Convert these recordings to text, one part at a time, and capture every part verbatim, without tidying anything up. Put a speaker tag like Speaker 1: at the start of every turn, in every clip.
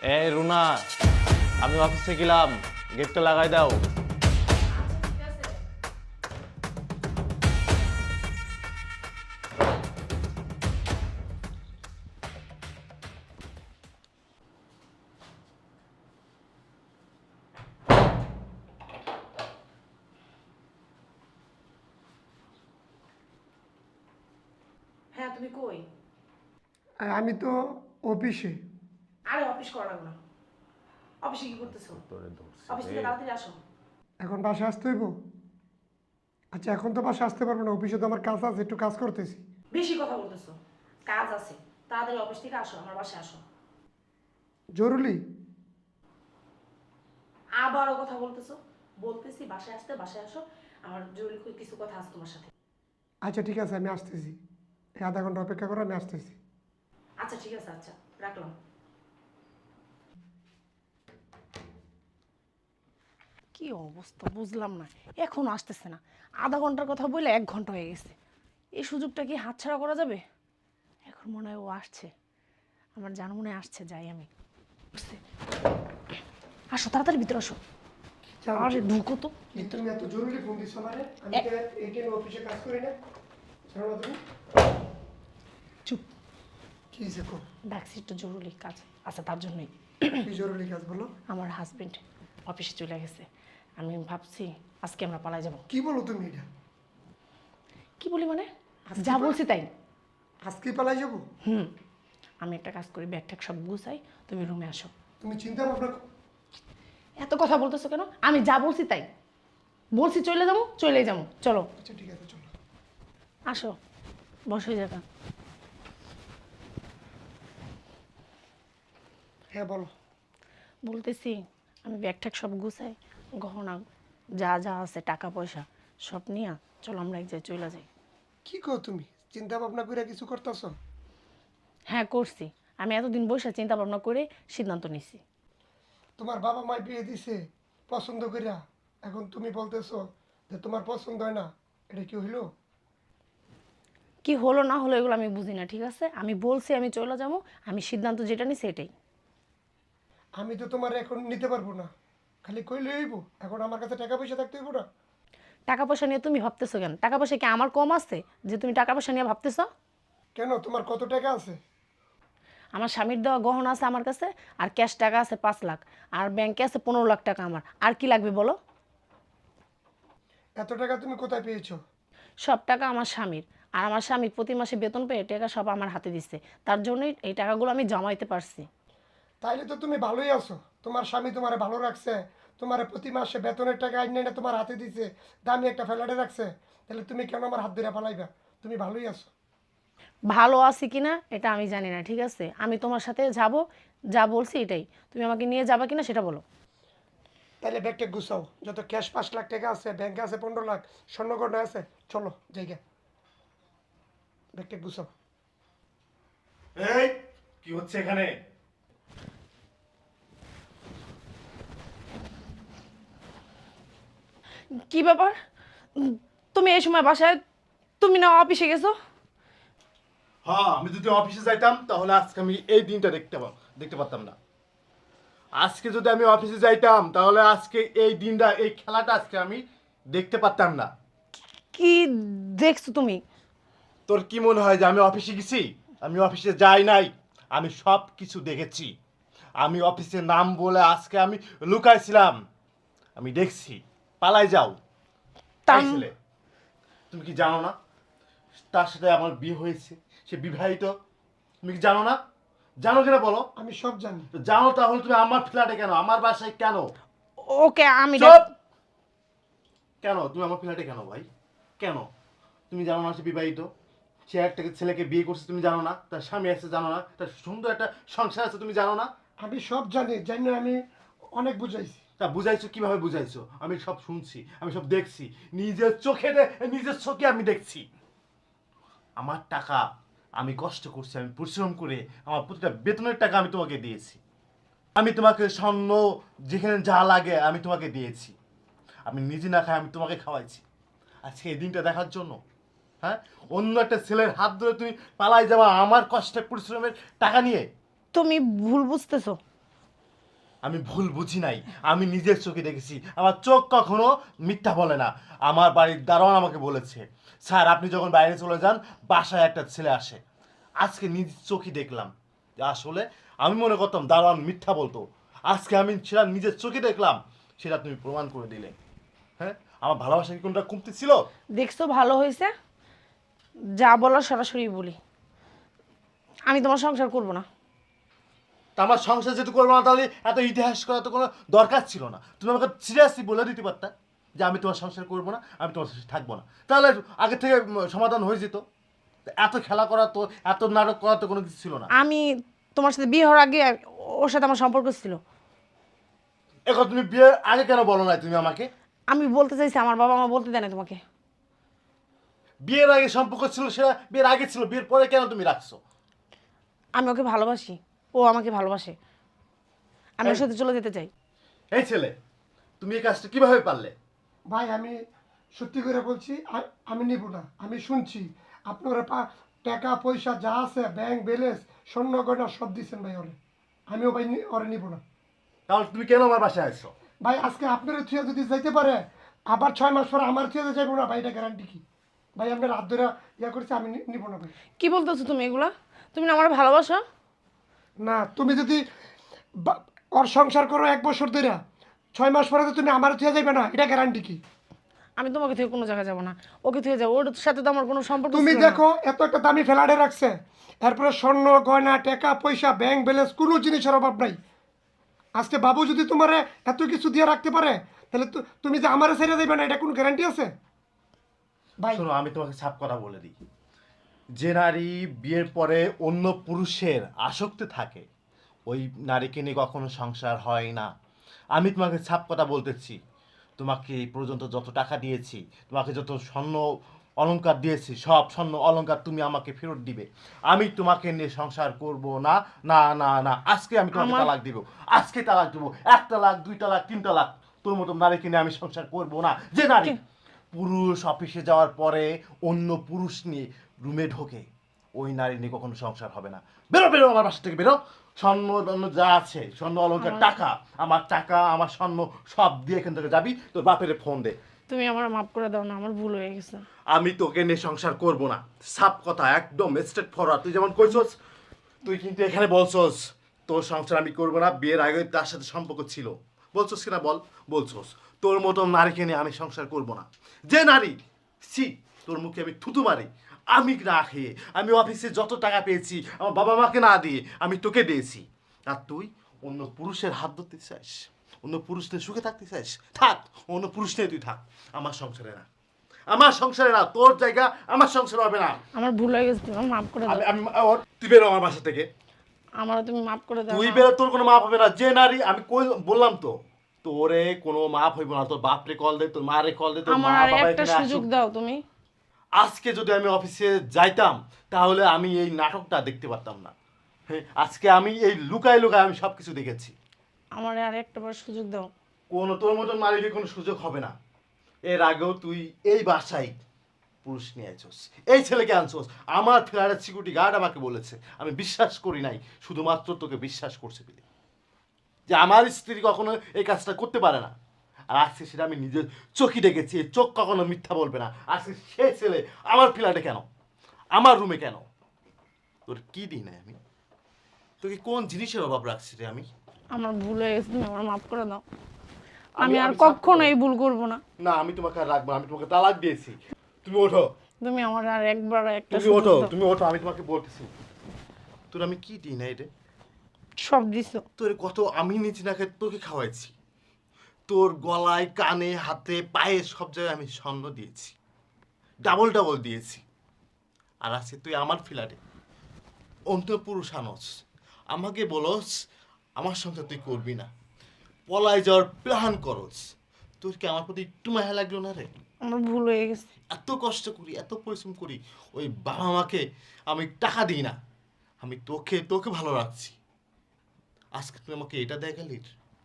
Speaker 1: এই রুনা, আমি অফিসে গেলাম, গেটটা লাগাই দাও।
Speaker 2: হ্যাঁ, তুমি কই?
Speaker 3: আর আমি তো অফিসে।
Speaker 2: আরে অফিস করা লাগবে না। অফিসে কি করতেছো? অফিস থেকে তাড়াতাড়ি আসো।
Speaker 3: এখন বাসায় আসতে হইব? আচ্ছা, এখন তো বাসায় আসতে পারবো না, অফিসে তো আমার কাজ আছে, একটু কাজ করতেছি।
Speaker 2: বেশি কথা বলতেছো। কাজ আছে, তাড়াতাড়ি অফিস থেকে আসো, আমার বাসায় আসো।
Speaker 3: জরুরি?
Speaker 2: আবারও কথা বলতেছো। বলতেছি বাসায় আসতে, বাসায় আসো। আমার জরুরি কিছু কথা আছে তোমার সাথে।
Speaker 3: আচ্ছা ঠিক আছে, আমি আসতেছি। এই আধা ঘন্টা অপেক্ষা করো, আমি আসতেছি।
Speaker 2: আচ্ছা ঠিক আছে, আচ্ছা রাখলাম। কি অবস্থা বুঝলাম না, এখনো আসতেছে না। আধা ঘন্টার কথা বলে এক ঘন্টা হয়ে গেছে। এই সুযোগটা কি হাতছাড়া করা যাবে? এখন মনে হয় ও আসছে, আমার জানা মনে হয় আসছে, যাই আমি। বুঝতে আসো, তাড়াতাড়ি ভিতরে আসো। আরে ঢুকো তো
Speaker 3: এই তুমি এত জরুরি ফোন দিচ্ছ মানে? আমি তো এইখানে অফিসে কাজ করি না। জানো না তুমি?
Speaker 2: চুপ।
Speaker 3: কি হয়েছে কো?
Speaker 2: ডাকছি একটু জরুরি কাজ আছে, তার জন্যই।
Speaker 3: কি জরুরি কাজ বলো?
Speaker 2: আমার হাজবেন্ড অফিসে চলে গেছে। আমি ভাবছি আজকে আমরা পালাই যাব।
Speaker 3: কি বলো তুমি এটা?
Speaker 2: কি বলি মানে? যা বলছি তাই।
Speaker 3: আজকে পালাই যাবো?
Speaker 2: হুম, আমি একটা কাজ করি, ব্যাগ ট্যাগ সব গুছাই, তুমি রুমে আসো।
Speaker 3: তুমি চিন্তা ভাবনা কর-
Speaker 2: এত কথা বলতেছো কেন? আমি যা বলছি তাই। বলছি চলে যাবো, চলেই যাবো, চলো।
Speaker 3: আচ্ছা ঠিক আছে, চলো।
Speaker 2: আসো, বসো এই জায়গা।
Speaker 3: হ্যাঁ বলো।
Speaker 2: বলতেছি আমি ব্যাগ ট্যাগ সব গুছাই, গহনা যা যা আছে টাকা পয়সা সব নিয়ে চলো আমরা এক জায়গায় চলে যাই।
Speaker 3: কি কো তুমি? চিন্তা ভাবনা করে কিছু করতেছো?
Speaker 2: হ্যাঁ করছি, আমি এতদিন বসে চিন্তা ভাবনা করে সিদ্ধান্ত নিছি।
Speaker 3: তোমার বাবা মা বিয়ে দিছে পছন্দ কইরা, এখন তুমি বলতেছো যে তোমার পছন্দ হয় না। এটা কি হইলো?
Speaker 2: কি হলো না হলো এগুলো আমি বুঝি না, ঠিক আছে? আমি বলছি আমি চলে যাবো, আমি সিদ্ধান্ত যেটা নিছি এটাই।
Speaker 3: আমি তো তোমার এখন নিতে পারবো না, খালি কইলে হইব। এখন আমার কাছে টাকা পয়সা থাকতে হইব না?
Speaker 2: টাকা পয়সা নিয়ে তুমি ভাবতেছো কেন? টাকা পয়সা কি আমার কম আছে যে তুমি টাকা পয়সা নিয়ে ভাবতেছো?
Speaker 3: কেন, তোমার কত টাকা আছে?
Speaker 2: আমার স্বামীর দেওয়া গহনা আছে আমার কাছে, আর ক্যাশ টাকা আছে পাঁচ লাখ, আর ব্যাংকে আছে পনেরো লাখ টাকা আমার। আর কি লাগবে বলো?
Speaker 3: এত টাকা তুমি কোথায় পেয়েছো?
Speaker 2: সব টাকা আমার স্বামীর, আর আমার স্বামী প্রতি মাসে বেতন পেয়ে টাকা সব আমার হাতে দিচ্ছে, তার জন্যই এই টাকাগুলো আমি জমাইতে পারছি।
Speaker 3: তাইলে তো তুমি ভালোই আছো। তোমার স্বামী তোমারে ভালো রাখছে, তোমার প্রতি মাসে বেতনের টাকা আইনে এনে তোমার হাতে দিছে, দামি একটা ফ্ল্যাটে রাখছে। তাহলে তুমি কেন আমার হাত ধরে পালাইবা? তুমি ভালোই আছো।
Speaker 2: ভালো আছি কিনা এটা আমি জানি না, ঠিক আছে? আমি তোমার সাথে যাব, যা বলছি এটাই। তুমি আমাকে নিয়ে যাবা কিনা সেটা বলো।
Speaker 3: তাহলে ব্যাগটা গুছাও, যত ক্যাশ পাঁচ লাখ টাকা আছে, ব্যাংকে আছে পনেরো লাখ, স্বর্ণগড়া আছে, চলো জায়গা। ব্যাগটা গুছাও।
Speaker 1: এই কি হচ্ছে এখানে?
Speaker 2: কি ব্যাপার? উম, তুমি এই সময় বাসায়, তুমি না অফিসে গেছো?
Speaker 4: হ্যাঁ, আমি যদি অফিসে যাইতাম তাহলে আজকে আমি এই দিনটা দেখতে পা- দেখতে পারতাম না। আজকে যদি আমি অফিসে যাইতাম তাহলে আজকে এই দিনটা, এই খেলাটা আজকে আমি দেখতে পারতাম না।
Speaker 2: কি দেখছো তুমি?
Speaker 4: তোর কি মনে হয় যে আমি অফিসে গেছি? আমি অফিসে যাই নাই, আমি সব কিছু দেখেছি। আমি অফিসের নাম বলে আজকে আমি লুকাইছিলাম, আমি দেখছি। পালাই যাও তাই
Speaker 2: তাম-
Speaker 4: ছেলে। তুমি কি জানো না তার সাথে আমার বিয়ে হয়েছে? সে বিবাহিত। তুমি কি জানো না? জানো কিনা বলো।
Speaker 3: আমি সব জানি।
Speaker 4: তো জানো তাহলে তুমি আমার ফ্ল্যাটে কেন, আমার বাসায় কেন?
Speaker 2: ওকে আমি
Speaker 4: চুপ! কেন তুমি আমার ফ্ল্যাটে কেন ভাই? কেন? তুমি জানো না সে বিবাহিত? সে একটা ছেলেকে বিয়ে করছে, তুমি জানো না? তার স্বামী আছে জানো না? তার সুন্দর একটা সংসার আছে, তুমি জানো না?
Speaker 3: আমি সব জানি, জানি না আমি অনেক বুঝাইছি।
Speaker 4: তা বুঝাইছো কিভাবে বুঝাইছো? আমি সব শুনছি, আমি সব দেখছি, নিজের চোখে দে- নিজের চোখে আমি দেখছি। আমার টাকা আমি কষ্ট করছি, আমি পরিশ্রম করে আমার প্রতিটা বেতনের টাকা আমি তোমাকে দিয়েছি। আমি তোমাকে স্বর্ণ যেখানে যা লাগে আমি তোমাকে দিয়েছি। আমি নিজে না খাই আমি তোমাকে খাওয়াইছি। আজকে এই দিনটা দেখার জন্য, হ্যাঁ, অন্য একটা ছেলের হাত ধরে তুমি পালাই যাবা আমার কষ্টের পরিশ্রমের টাকা নিয়ে?
Speaker 2: তুমি ভুল বুঝতেছো।
Speaker 4: আমি ভুল বুঝি নাই, আমি নিজের চোখে দেখেছি। আমার চোখ কখনো মিথ্যা বলে না। আমার বাড়ির দারোয়ান আমাকে বলেছে, স্যার আপনি যখন বাইরে চলে যান বাসায় একটা ছেলে আসে। আজকে নিজ চোখে দেখলাম যে আসলে আমি মনে করতাম দারোয়ান মিথ্যা বলতো, আজকে আমি সেটা নিজের চোখে দেখলাম, সেটা তুমি প্রমাণ করে দিলে। হ্যাঁ, আমার ভালোবাসা কি কোনটা কমতি ছিল?
Speaker 2: দেখছো ভালো হয়েছে, যা বলার সরাসরি বলি, আমি তোমার সংসার করব না।
Speaker 4: তা আমার সংসার যেহেতু করবো না, তাহলে এত ইতিহাস করা তো কোনো দরকার ছিল না। তুমি আমাকে সিরিয়াসলি বলে দিতে পারতা যে আমি তোমার সংসার করবো না, আমি তোমার সাথে থাকবো না, তাহলে আগে থেকে উম, সমাধান হয়ে যেত। এত খেলা করা তো, এত নাটক করা তো কোনো কিছু ছিল না।
Speaker 2: আমি তোমার সাথে বিয়ে হওয়ার আগে ওর সাথে আমার সম্পর্ক ছিল।
Speaker 4: এখন তুমি বিয়ের আগে কেন বলো না তুমি আমাকে?
Speaker 2: আমি বলতে চাইছি, আমার বাবা মা বলতে দেয় না তোমাকে।
Speaker 4: বিয়ের আগে সম্পর্ক ছিল, সেটা বিয়ের আগে ছিল, বিয়ের পরে কেন তুমি রাখছো?
Speaker 2: আমি ওকে ভালোবাসি, ও আমাকে ভালোবাসে, আমি ওর
Speaker 4: এই-
Speaker 2: সাথে চলে যেতে চাই।
Speaker 4: এই ছেলে, তুমি এই কাজটা কিভাবে পারলে?
Speaker 3: ভাই আমি সত্যি করে বলছি, আ- আমি নিব না। আমি শুনছি আপনারা পা টাকা পয়সা যা আছে ব্যাংক ব্যালেন্স স্বর্ণ গয়না সব দিচ্ছেন ভাই ওরে। আমিও ভাই নি- ওরে নিব না।
Speaker 4: তাহলে তুমি কেন আমার বাসায় আসছো?
Speaker 3: ভাই আজকে আপনার থুয়ে যদি যাইতে পারে, আবার ছয় মাস পরে আমার থুয়ে যাইবো না ভাই, এটা গ্যারান্টি কি? ভাই আপনার হাত ধরে ইয়া করছে, আমি নি- নিব না ভাই।
Speaker 2: কি বলতেছো তুমি এগুলা? তুমি না আমার ভালোবাসো?
Speaker 3: না, তুমি যদি বা- ওর সংসার করো এক বছর ধরে, ছয় মাস পরে তো তুমি আমার থুয়ে যাইবে না, এটা গ্যারান্টি কি?
Speaker 2: আমি তোমাকে থেকে কোনো জায়গায় যাবো না, ওকে থেকে যাবো। ওর সাথে তো আমার কোনো সম্পর্ক
Speaker 3: তুমি
Speaker 2: ছিল না।
Speaker 3: দেখো এত একটা দামি ফ্ল্যাটে রাখছে, এরপরে স্বর্ণ গয়না টাকা পয়সা ব্যাংক ব্যালেন্স কোনো জিনিসের অভাব নাই। আজকে বাবু যদি তোমার এত কিছু দিয়ে রাখতে পারে, তাহলে তো তুমি যে আমারে ছেড়ে দেবে না, এটা কোনো গ্যারান্টি আছে ভাই?
Speaker 4: শোনো, আমি তোমাকে সাফ কথা বলে দিই, যে নারী বিয়ের পরে অন্য পুরুষের আসক্তি থাকে, ওই নারীকে নিয়ে কখনো সংসার হয় না। আমি তোমাকে ছাপ কথা বলতেছি। তোমাকে এই পর্যন্ত যত টাকা দিয়েছি, তোমাকে যত স্বর্ণ অলংকার দিয়েছি, সব স্বর্ণ অলংকার তুমি আমাকে ফেরত দিবে। আমি তোমাকে নিয়ে সংসার করব না, না না না। আজকে আমি তোমাকে
Speaker 2: আমার-
Speaker 4: তালাক দিব, আজকে তালাক দিব। এক তালাক, দুই তালাক, তিন তালাক। তোর মতো নারীকে নিয়ে আমি সংসার করব না। যে নারী পুরুষ অফিসে যাওয়ার পরে অন্য পুরুষ নিয়ে রুমে ঢোকে, ওই নারী নিয়ে কখনো সংসার হবে না। বেরো বেরো আমার বাসা থেকে বেরো। স্বর্ণ টর্ণ যা আছে, স্বর্ণ অলংকার, টাকা, আমার টাকা আমার স্বর্ণ সব দিয়ে এখান থেকে যাবি। তোর বাপের ফোন দে।
Speaker 2: তুমি আমার মাফ করে দাও না, আমার ভুল হয়ে গেছে।
Speaker 4: আমি তোকে নিয়ে সংসার করব না। সাপ কথা, একদম স্ট্রেট ফরওয়ার্ড। তুই যেমন কইছস, তুই কিন্তু এখানে বলছস তোর সংসার আমি করব না, বিয়ের আগে তার সাথে সম্পর্ক ছিল। বলছস কিনা বল? বলছস। তোর মতো নারীকে নিয়ে আমি সংসার করব না। যে নারী, সি, তোর মুখে আমি থুতু মারি। আমি না খেয়ে, আমি অফিসে যত টাকা পেয়েছি আমার বাবা মাকে না দিয়ে আমি তোকে দিয়েছি, আর তুই অন্য পুরুষের হাত ধরতে চাস, অন্য পুরুষদের সুখে থাকতে চাস? থাক, অন্য পুরুষ নিয়ে তুই থাক, আমার সংসারে না। আমার সংসারে না, তোর জায়গা আমার সংসারে হবে না।
Speaker 2: আমার ভুল হয়ে গেছে, তুমি মাফ করে দাও।
Speaker 4: আমি আমি ওর তুই বেরো আমার বাসা থেকে।
Speaker 2: আমারও তুমি মাফ করে দাও
Speaker 4: তুই
Speaker 2: না।
Speaker 4: বেরো, তোর কোনো মাপ হবে না। যে নারী, আমি কই বললাম তো, তোরে কোনো মাপ হইব না। তোর বাপরে কল দে, তোর মারে কল দে, তোর মা
Speaker 2: আমার আর
Speaker 4: বাবা
Speaker 2: একটা
Speaker 4: এখানে
Speaker 2: সুযোগ
Speaker 4: আসুক।
Speaker 2: দাও তুমি।
Speaker 4: আজকে যদি আমি অফিসে যাইতাম, তাহলে আমি এই নাটকটা দেখতে পারতাম না। হ্যাঁ, আজকে আমি এই লুকায় লুকায় আমি সবকিছু দেখেছি।
Speaker 2: আমার আর একটা বার সুযোগ দাও।
Speaker 4: কোনো তোর মতন মালিকের কোনো সুযোগ হবে না। এর আগেও তুই এই বাসায় পুরুষ নিয়ে আইছস, এই ছেলেকে আনছস। আমার ফ্ল্যাটের সিকিউরিটি গার্ড আমাকে বলেছে, আমি বিশ্বাস করি নাই, শুধুমাত্র তোকে বিশ্বাস করছে বলে, যে আমার স্ত্রী কখনো এই কাজটা করতে পারে না। আর আজকে সেটা আমি নিজের চোখই দেখেছি। এই চোখ কখনো মিথ্যা বলবে না। আজকে সে ছেলে আমার ফ্ল্যাটে কেন, আমার রুমে কেন? তোর কি দিই নাই আমি? তোকে কোন জিনিসের অভাব রাখছি রে আমি?
Speaker 2: আমার ভুল হয়ে গেছে, তুমি আমার মাফ করে দাও।
Speaker 4: আমি-
Speaker 2: আমি আর
Speaker 4: আমি ছাড়
Speaker 2: কখনো
Speaker 4: করবো।
Speaker 2: এই ভুল করবো না।
Speaker 4: না, আমি তোমাকে আর রাখবো না। আমি তোমাকে তালাক দিয়েছি। তুমি ওঠো,
Speaker 2: তুমি আমার আর একবার একটা
Speaker 4: তুমি
Speaker 2: সুযোগ
Speaker 4: ওঠো,
Speaker 2: দাও।
Speaker 4: তুমি ওঠো। আমি তোমাকে বলতেছি, তোর আমি কি দিই নাই রে?
Speaker 2: সব দিছো।
Speaker 4: তোর কত আমি নিচে না খেয়ে তোকে খাওয়াইছি। তোর গলায়, কানে, হাতে, পায়ে সব জায়গায় আমি স্বর্ণ দিয়েছি, ডাবল ডাবল দিয়েছি। আর আজকে তুই আমার ফ্ল্যাটে অন্ত পুরুষ আনস, আমাকে বলস আমার সঙ্গে তুই করবি না, পলায় যাওয়ার প্ল্যান করস। তোর কি আমার প্রতি একটু মায়া লাগলো না রে?
Speaker 2: আমার ভুল হয়ে গেছে।
Speaker 4: এত কষ্ট করি, এত পরিশ্রম করি, ওই বাবা মাকে আমি টাকা দিই না, আমি তোকে তোকে ভালো রাখছি। আজকে তুই আমাকে এটা দেখালি?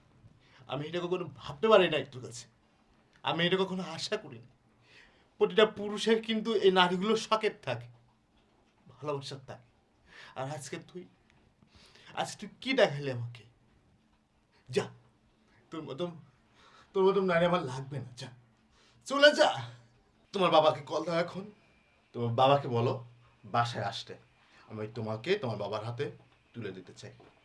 Speaker 4: আমি এটা কখনো ভাবতে পারি না একটু কাছে, আমি এটা কখনো আশা করি না। প্রতিটা পুরুষের কিন্তু এই নারীগুলো শখের থাকে, ভালোবাসার থাকে। আর আজকে তুই, আজকে তুই কি দেখালি আমাকে? যা, তোর মতন তোর মতন নারী আমার লাগবে না, যা চলে যা। তোমার বাবাকে কল দাও এখন, তোমার বাবাকে বলো বাসায় আসতে, আমি তোমাকে তোমার বাবার হাতে তুলে দিতে চাই।